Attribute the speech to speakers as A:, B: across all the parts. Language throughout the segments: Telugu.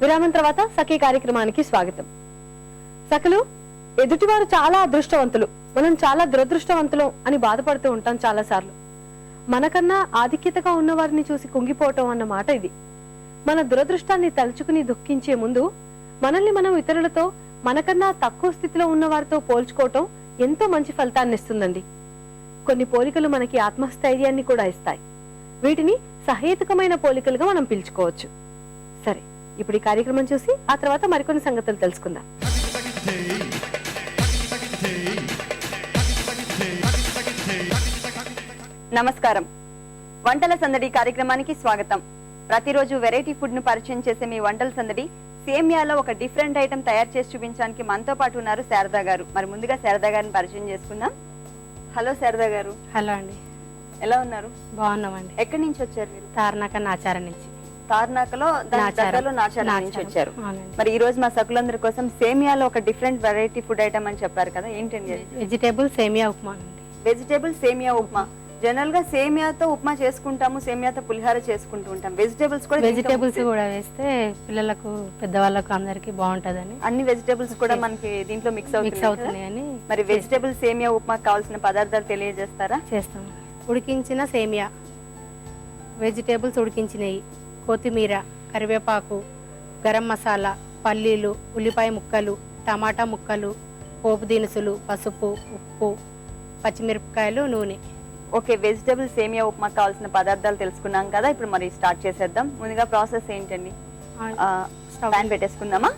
A: విరామం తర్వాత సఖీ కార్యక్రమానికి స్వాగతం. సఖలు, ఎదుటివారు చాలా అదృష్టవంతులు, మనం చాలా దురదృష్టవంతులు అని బాధపడుతూ ఉంటాం చాలా సార్లు. మనకన్నా ఆధిక్యతగా ఉన్న వారిని చూసి కుంగిపోవటం అన్న మాట ఇది. మన దురదృష్టాన్ని తలుచుకుని దుఃఖించే ముందు మనల్ని మనం ఇతరులతో, మనకన్నా తక్కువ స్థితిలో ఉన్న వారితో పోల్చుకోవటం ఎంతో మంచి ఫలితాన్ని ఇస్తుందండి. కొన్ని పోలికలు మనకి ఆత్మస్థైర్యాన్ని కూడా ఇస్తాయి. వీటిని సహేతుకమైన పోలికలుగా మనం పిలుచుకోవచ్చు. సరే, ఇప్పుడు ఈ కార్యక్రమం చూసి ఆ తర్వాత మరికొన్ని సంగతులు తెలుసుకుందాం.
B: నమస్కారం. వంటల సందడి కార్యక్రమానికి స్వాగతం. ప్రతిరోజు వెరైటీ ఫుడ్ ను పరిచయం చేసే మీ వంటల సందడి సేమియాలో ఒక డిఫరెంట్ ఐటమ్ తయారు చేసి చూపించడానికి మనతో పాటు ఉన్నారు శారదా గారు. మరి ముందుగా శారదా గారిని పరిచయం చేసుకుందాం. హలో శారదా గారు.
A: హలో అండి,
B: ఎలా ఉన్నారు?
A: బాగున్నామండి.
B: ఎక్కడి నుంచి వచ్చారు మీరు?
A: తార్నాక నాచారం నుంచి.
B: తార్నాకలో నాచారం నుంచి వచ్చారు. మరి ఈ రోజు మా సకులందరి కోసం సేమియాలో ఒక డిఫరెంట్ వెరైటీ ఫుడ్ ఐటమ్ అని చెప్పారు కదా, ఏంటండి?
A: వెజిటేబుల్ సేమియా ఉప్మా అండి.
B: వెజిటేబుల్ సేమియా ఉప్మా. జనరల్ గా సేమియాతో ఉప్మా చేసుకుంటాము, సేమియాతో పులిహార చేసుకుంటూ ఉంటాం. వెజిటేబుల్స్
A: కూడా వేస్తే పిల్లలకు, పెద్దవాళ్ళకు అందరికి బాగుంటదని
B: అన్ని వెజిటేబుల్స్ కూడా మనకి దీంట్లో మిక్స్ అవుతున్నాయని. మరి వెజిటేబుల్ సేమియా ఉప్మా కావాల్సిన పదార్థాలు తెలియజేస్తారా?
A: చేస్తాం. ఉడికించిన సేమియా, వెజిటేబుల్స్ ఉడికించినవి, కొత్తిమీర, కరివేపాకు, గరం మసాలా, పల్లీలు, ఉల్లిపాయ ముక్కలు, టమాటా ముక్కలు, పోపు దినుసులు, పసుపు, ఉప్పు, పచ్చిమిరపకాయలు, నూనె.
B: ఓకే, వెజిటేబుల్ సేమియా ఉప్మా కావాల్సిన పదార్థాలు తెలుసుకున్నాం కదా, ఇప్పుడు మరి స్టార్ట్ చేసేద్దాం. ముందుగా ప్రాసెస్ ఏంటండి? ప్యాన్ పెట్టేసుకుందామా?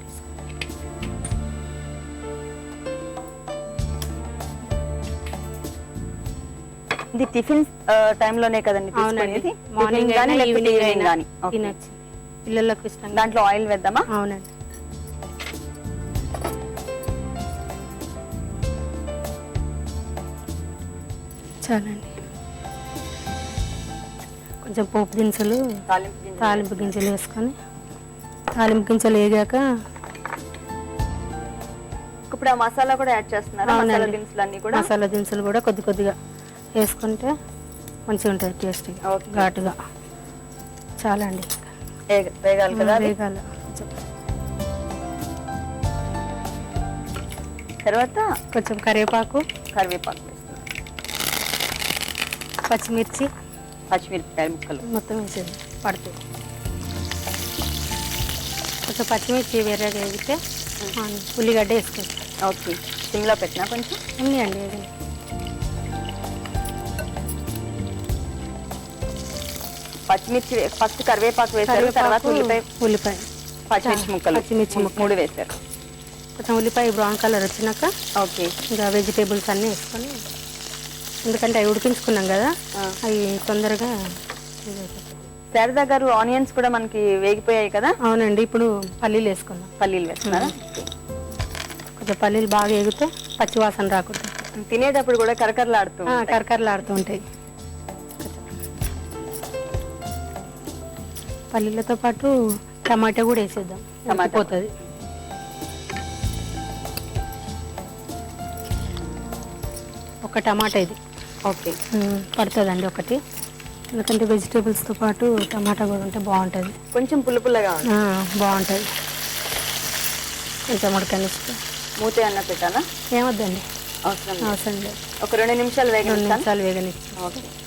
B: ఇది టిఫిన్ టైంలోనే కదండి తీసుకునేది?
A: మార్నింగ్
B: కానీ ఈవినింగ్ కానీ
A: తినొచ్చు, పిల్లలకు ఇష్టం.
B: దాంట్లో ఆయిల్ వేద్దామా?
A: అవునండి. చాలండి. కొంచెం పోపు దినుసులు, తాలింపు గింజలు వేసుకొని, తాలింపు గింజలు వేగాక
B: ఇప్పుడు ఆ మసాలా కూడా యాడ్ చేస్తున్నారు.
A: మసాలా దినుసులు కూడా కొద్ది కొద్దిగా వేసుకుంటే మంచిగా ఉంటుంది, టేస్ట్ ఘాటుగా. చాలా అండి,
B: వేగాలి కదా.
A: వేగాలి.
B: తర్వాత
A: కొంచెం కరివేపాకు పచ్చిమిర్చి,
B: పచ్చిమిరపకాయ ముక్కలు
A: మొత్తం వేసేది పడుతుంది. కొంచెం పచ్చిమిర్చి వేరేగా వేగితే ఉల్లిగడ్డ వేసుకుంటాం.
B: ఓకే, సిమ్లో పెట్టినా కొంచెం
A: ఉంది అండి.
B: పచ్చిమిర్చి ఫస్ట్ కరివేపాకు వేసారు, తర్వాత
A: ఉల్లిపాయ
B: పచ్చిమిర్చి ముక్కలు 3 వేసారు.
A: కొంచెం ఉల్లిపాయ బ్రౌన్ కలర్ వచ్చినాక
B: ఓకే,
A: ఇంకా వెజిటేబుల్స్ అన్నీ వేసుకొని, ఎందుకంటే అవి ఉడికించుకున్నాం కదా, అవి తొందరగా.
B: శారదా గారు, ఆనియన్స్ కూడా మనకి వేగిపోయాయి కదా?
A: అవునండి. ఇప్పుడు పల్లీలు వేసుకున్నాం.
B: పల్లీలు వేస్తున్నారా?
A: కొంచెం పల్లీలు బాగా వేగితే పచ్చివాసన రాకుండా,
B: తినేటప్పుడు కూడా కరకరలాడుతూ
A: ఉంటాయి. పల్లీలతో పాటు టమాటా కూడా వేసేద్దాం, టమాటా పోతుంది. ఒక టమాటా ఇది
B: ఓకే
A: పడుతుందండి ఒకటి, ఎందుకంటే వెజిటేబుల్స్తో పాటు టమాటా కూడా ఉంటే బాగుంటుంది.
B: కొంచెం పుల్లగా
A: బాగుంటుంది. కొంచెం ఉడకనిస్తే
B: మూత అన్న పెట్టాలా?
A: ఏమొద్దండి,
B: అవసరం
A: అవసరం లేదు.
B: ఒక 2 నిమిషాలు వేగనిస్తాను.
A: వేగనిస్తాను.
B: ఓకే.